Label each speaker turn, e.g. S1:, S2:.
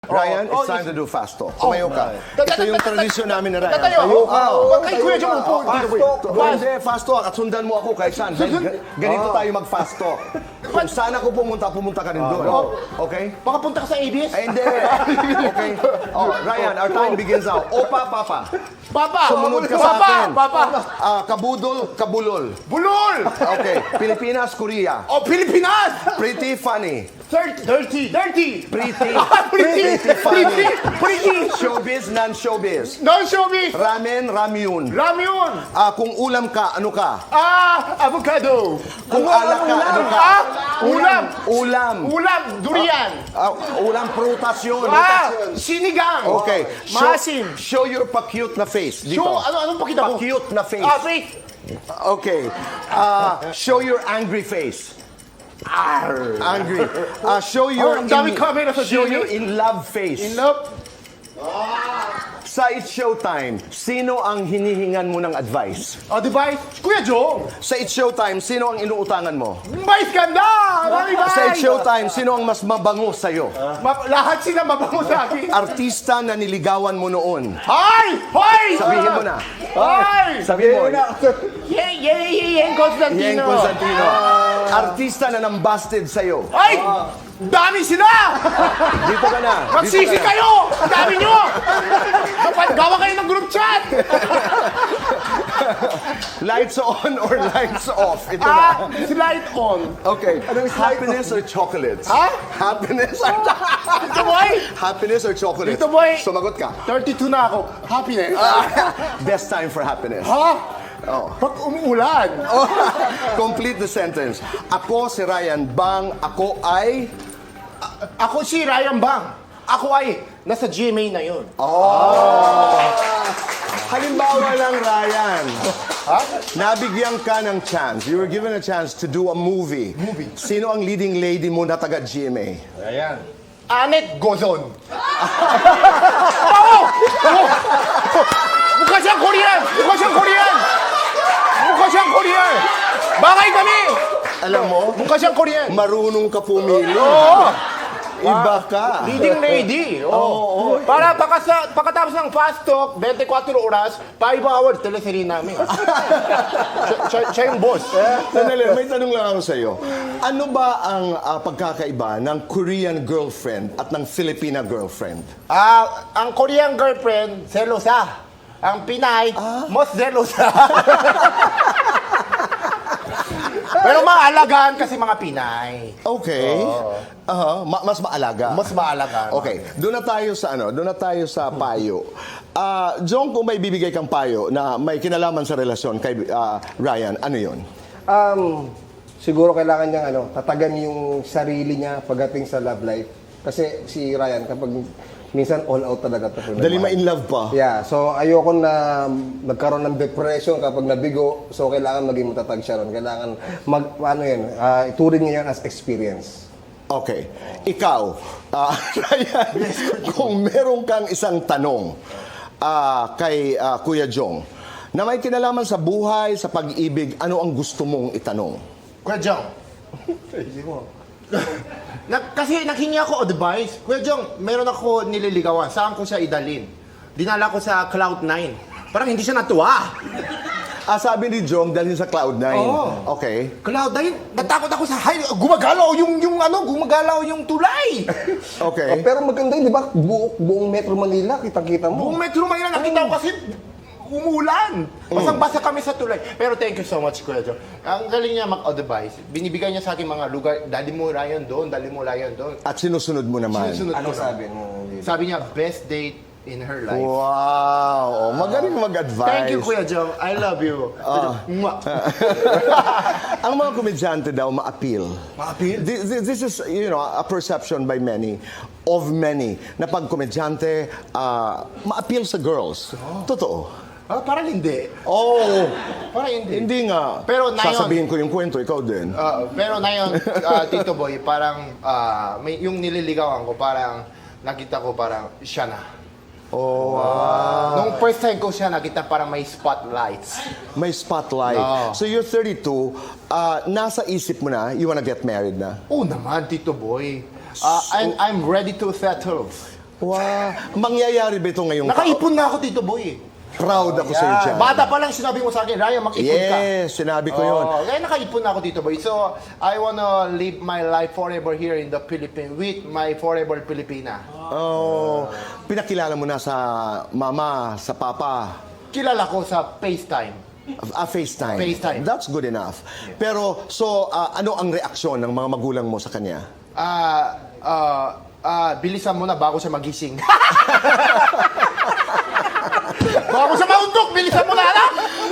S1: Ryan, it's time to do fast talk. Tumayo ka. Ito yung tradisyon namin na Ryan.
S2: Tatayo ka.
S1: Oo.
S2: Kay Kuya Jong upo.
S1: Hindi, fast talk. At sundan mo ako kahit saan. Ganito tayo mag-fast talk. Kung saan ako pumunta ka rin doon. Okay?
S2: Baka punta ka sa ABS.
S1: Ay, hindi. Okay? Oh, Ryan, our time begins now. Opa, papa.
S2: Papa!
S1: Sumunod ka sa akin.
S2: Papa!
S1: Kabudol, kabulol.
S2: Bulol!
S1: Okay. Pilipinas, Korea.
S2: Oh, Pilipinas!
S1: Pretty funny.
S2: Dirty!
S1: Pretty.
S2: Pretty!
S1: Pretty. Showbiz, non-showbiz.
S2: Non-showbiz!
S1: Ramen, ramyun.
S2: Ramyun!
S1: Kung ulam ka, ano ka?
S2: Avocado!
S1: Kung alak ka, ano ka?
S2: Ulam!
S1: Ulam.
S2: Durian!
S1: Ulam, prutas yun.
S2: Sinigang!
S1: Okay.
S2: Maasim!
S1: Show your pa-cute na face. Dito.
S2: Show, anong pakita mo?
S1: Pa-cute na face.
S2: Face!
S1: Okay. Show your angry face. Angry. Show your
S2: ang dami camera sa
S1: show
S2: GMA.
S1: your in love face.
S2: In love?
S1: Sa It's Showtime, sino ang hinihingan mo ng advice?
S2: Device? Kuya Jong!
S1: Sa It's Showtime, sino ang inuutangan mo?
S2: Vice ganda!
S1: Sa It's Showtime, sino ang mas mabango sa'yo?
S2: Lahat sila mabango sa akin.
S1: Artista na niligawan mo noon.
S2: Hoy! Hoy!
S1: Sabihin mo na.
S2: Hoy!
S1: Sabihin mo.
S2: Yeng Constantino.
S1: Yeng Constantino. Artista na nambasted sa'yo.
S2: Ay! Dami sila!
S1: Dito ka na.
S2: Magsisi kayo! Ang dami nyo! Gawa kayo ng group chat!
S1: Lights on or lights off? Ito na.
S2: Light on.
S1: Okay. Happiness or chocolates?
S2: Ha?
S1: Happiness or
S2: Dito boy!
S1: Happiness or chocolates?
S2: Dito, boy.
S1: Sumagot ka.
S2: 32 na ako. Happiness.
S1: Best time for happiness.
S2: Ha? Pag umuulan.
S1: Complete the sentence. Ako si Ryan Bang. Ako ay...
S2: Ako si Ryan Bang. Ako ay nasa GMA na yun.
S1: Halimbawa lang, Ryan. Nabigyan ka ng chance. You were given a chance to do a movie. Sino ang leading lady mo na taga GMA?
S2: Ayan. Anet Gozon. Oo! Mukha siyang Korean! Mukha siyang Korean! Mukha siyang Korean! Bagay kami!
S1: Alam mo,
S2: Mukha siyang Korean!
S1: marunong ka pumili. Iba ka.
S2: Leading lady. Oo. Para pagkatapos ng fast talk, 24 oras, 5 hours, teleserye namin. Siya yung boss.
S1: Sandali, may tanong lang ako sa'yo. Ano ba ang pagkakaiba ng Korean girlfriend at ng Filipina girlfriend?
S2: Ang Korean girlfriend, selosa. Ang Pinay, most selosa. Pero maalagaan kasi mga Pinay.
S1: Okay. Mas maalaga.
S2: Mas maalagaan.
S1: Okay. Doon na tayo sa Doon na tayo sa payo. Jong, kung may bibigay kang payo na may kinalaman sa relasyon kay Ryan, ano 'yon?
S3: Siguro kailangan niyang tatagan yung sarili niya pagdating sa love life. Kasi si Ryan, kapag minsan all out talaga.
S1: Dali ma-in love pa.
S3: Yeah, so ayoko na nagkaroon ng depression kapag nabigo. So kailangan maging matatag siya ron. Kailangan ituring niya yan as experience.
S1: Okay. Ikaw, Ryan, kung meron kang isang tanong kay Kuya Jong na may kinalaman sa buhay, sa pag-ibig, ano ang gusto mong itanong?
S2: Kuya Jong. Kasi naghingi ako advice. Kuya Jong, meron ako nililigawan. Saan ko siya idalin? Dinala ko sa Cloud9. Parang hindi siya natuwa.
S1: Sabi ni Jong, dalhin sa Cloud9.
S2: Oo.
S1: Okay.
S2: Cloud9, natakot ako sa gumagalaw gumagalaw yung tulay.
S1: Okay.
S3: Pero maganda yun, di ba? Buong Metro Manila, kitang-kita mo.
S2: Buong Metro Manila, nakita ko kasi umulan. Basang-basa kami sa tulay. Pero thank you so much, Kuya Jong. Ang galing niya mag-advise. Binibigay niya sa akin mga lugar, dali mo Ryan doon.
S1: At sinusunod mo naman.
S3: Ano sabi mo?
S2: Sabi niya, best date in her life.
S1: Wow! Magaling mag-advise.
S2: Thank you, Kuya Jong. I love you. Mwah.
S1: Ang mga komedyante daw ma-appeal.
S2: Ma-appeal?
S1: This is, a perception by many, na pag komedyante, ma-appeal sa girls. Totoo.
S2: Parang hindi. Parang hindi.
S1: Hindi nga.
S2: Pero na yun-
S1: Sasabihin ko yung kwento, ikaw din.
S2: Pero na yun, Tito Boy, parang yung nililigawan ko, parang nakita ko parang siya na. Nung first time ko siya nakita, parang may spotlights.
S1: May spotlight. So you're 32, nasa isip mo na, you wanna get married na?
S2: Oo naman, Tito Boy. I'm ready to settle.
S1: Wow. Mangyayari ba ito ngayong
S2: Nakaipon na ako dito, boy.
S1: Proud ako sa iyo dyan.
S2: Bata pa lang sinabi mo sa akin, Ryan, mag-ipon ka.
S1: Yes, sinabi ko yun.
S2: Kaya nakaipon na ako dito, boy. So, I wanna live my life forever here in the Philippines with my forever Filipina.
S1: Oh, pinakilala mo na sa mama, sa papa.
S2: Kilala ko sa FaceTime.
S1: FaceTime.
S2: FaceTime.
S1: That's good enough. Pero, so, ano ang reaksyon ng mga magulang mo sa kanya?
S2: Bilisan mo na bago siya magising. Bago siya mauntok, bilisan mo na, anak!